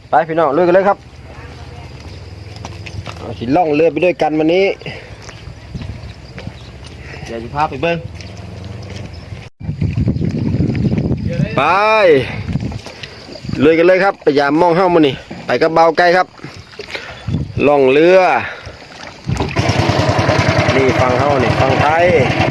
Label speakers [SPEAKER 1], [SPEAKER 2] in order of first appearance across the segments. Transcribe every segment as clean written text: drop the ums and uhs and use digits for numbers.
[SPEAKER 1] ไปพี่น้องลุยกันเลยครับเอาสิล่องเรือไปด้วยกันวันนี้เดี๋ยวจะพาไปเบิ้งไปลุยกันเลยครับไปยามมองเข้ามานี่ไปกับเบาไกลครับล่องเรือนี่ฟังเข้านี่ฟังไทย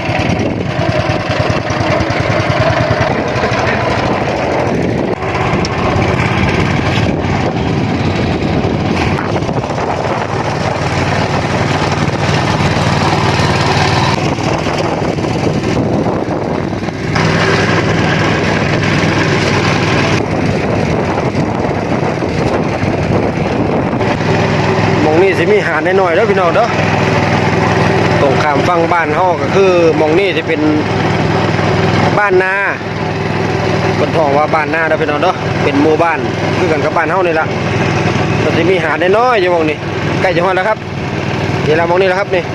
[SPEAKER 1] นี่สิมีหาดน้อยๆแล้วพี่น้องเด้อตรงข้ามฝั่งบ้านเฮาก็คือมองนี่จะเป็นบ้านนาเป็นท้องว่าบ้านนาเด้อพี่น้องเด้อเป็นหมู่บ้านคือกันกับบ้านเฮานี่ล่ะก็สิมีหาดน้อยๆอยู่มองนี่ใกล้จะฮอดแล้วครับนี่ล่ะมองนี่แล้วครับนี่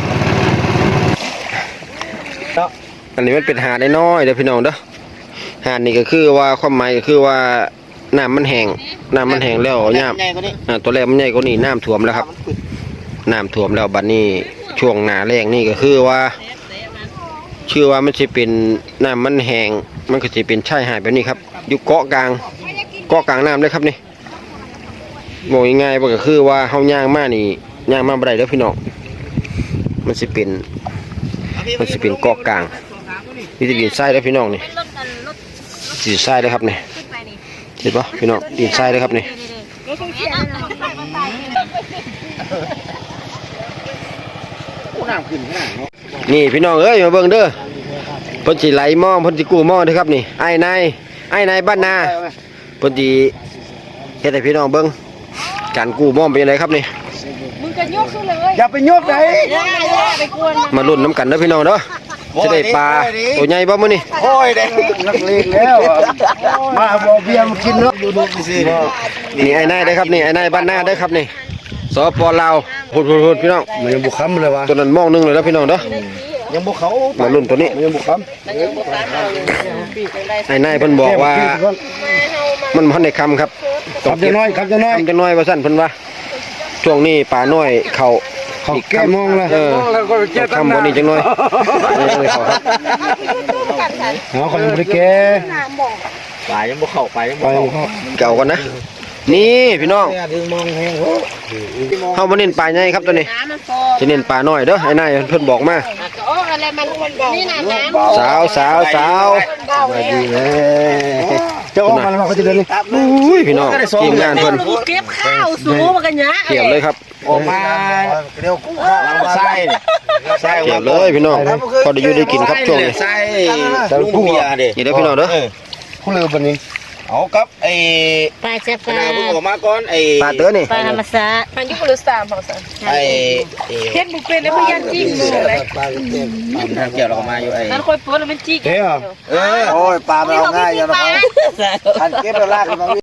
[SPEAKER 1] เนาะอันนี้มันเป็นหาดน้อยๆเด้อพี่น้องเด้อหาดนี่ก็คือว่าความหมายก็คือว่าน้ำมันแห้งแล้วย่ำตัวแรกมันใหญ่กว่านี้น้ำท่วมแล้วครับน้ำท่วมแล้วบัดนี้ช่วงหน้าแล้งนี่ก็คือว่าชื่อว่ามันจะเป็นน้ำมันแห้งมันก็จะเป็นชายหาดแบบนี้ครับอยู่เกาะกลางน้ำเลยครับนี่บอกง่ายๆก็คือว่าเฮาย่างมานี่ย่างมาบ่ได้เด้อพี่น้องมันจะเป็นเกาะกลางนี่จะดินทรายเด้อพี่น้องนี่ดินทรายเลยครับนี่เห็นปะพี่น้องดินทรายเลยครับนี่นี่พี่น้องเอ้ยมาเบิ่งเด้อเพิ่นสิไหลมองเพิ่นสิกู้มองเด้อครับนี่ไอ้นายบ้านนาเพิ่นสิเฮ็ดให้พี่น้องเบิ่งการกู้มองเป็นยังไงครับนี่
[SPEAKER 2] มึงจะยกขึ้นเลย
[SPEAKER 3] อย่าไปยกไหน
[SPEAKER 1] มาลุ้นน้ำกันเด้อพี่น้องเด้อจะได้ปลาตัวใหญ่บ่มื้อนี้
[SPEAKER 3] โอ้ยเด็กนักเลงแล้วมาบ่เบียร์มากินเนาะดูสิ
[SPEAKER 1] นี่ไอ้นายเด้อครับนี่ไอ้นายบ้านนาเด้อครับนี่สปลาวพูดพี่น้อง
[SPEAKER 3] มันยังบุกค้ำเลยวะ
[SPEAKER 1] ตัวนั้นมองนึงเลยนะพี่น้องเด้อ
[SPEAKER 3] ยังบุกเขา
[SPEAKER 1] มาลุ้นตัวนี้
[SPEAKER 3] ยังบุกค้ำ
[SPEAKER 1] ไอ้นายเพิ่นบอกว่ามันบ่ได้คำครับ
[SPEAKER 3] ครับจะน้อย
[SPEAKER 1] คำจะน้อยว่าซั่นเพิ่นว่าช่วงนี้ปลาน้อยเขา
[SPEAKER 3] แก้มองแล้ว
[SPEAKER 1] คำบ่นี้จังน้อย
[SPEAKER 3] เขาคนยังบ่ได้แก้
[SPEAKER 1] ปลายังบ่เข้าไปยังบ่เข้าเก่ากันนะนี่พี่น้องเฮาบ่เน้นปลาใหญ่ครับตัวนี้สิเน้นปลาน้อยเด้อไอ้นายเพิ่นบอกมาสาว
[SPEAKER 3] มาดีเลยเจ้าออกมาแล้วเขาจะเดินเลย
[SPEAKER 1] อุ้ยพี่น้องทีมงานเพิ่น
[SPEAKER 2] เก็บข้าวสูงมากันเนี้ย
[SPEAKER 1] เทียบเลยครับ
[SPEAKER 3] ออกมาเร็วใส่
[SPEAKER 1] เทียบเลยพี่น้องพอได้อยู่ได้กินครับช่วงนี้
[SPEAKER 3] ใส่ลุงเบียร์ดิ
[SPEAKER 1] นี่เด้อพี่น้องเด้อ
[SPEAKER 3] ผู้เรือบันนี้เอากับไอ้
[SPEAKER 2] ปลาเจ็บปลา
[SPEAKER 3] เพิ่งออกมาก่อนไอ้
[SPEAKER 1] ปลาเต๋อนี่
[SPEAKER 2] ปลาธรรมศาสตร์มันยุคฤษฎาบอกสัน
[SPEAKER 3] ไอ้
[SPEAKER 2] เฮ็ดบุฟเฟ่แล้วพยันจิ้งมือเลย
[SPEAKER 3] เกี่ยวเรามาอยู่ไอ้
[SPEAKER 2] นั่นค่อยโพสแล้วมันจิ้ง
[SPEAKER 3] โอ้ยปลาเราง่ายอย่างเราทันเก็บเราลาก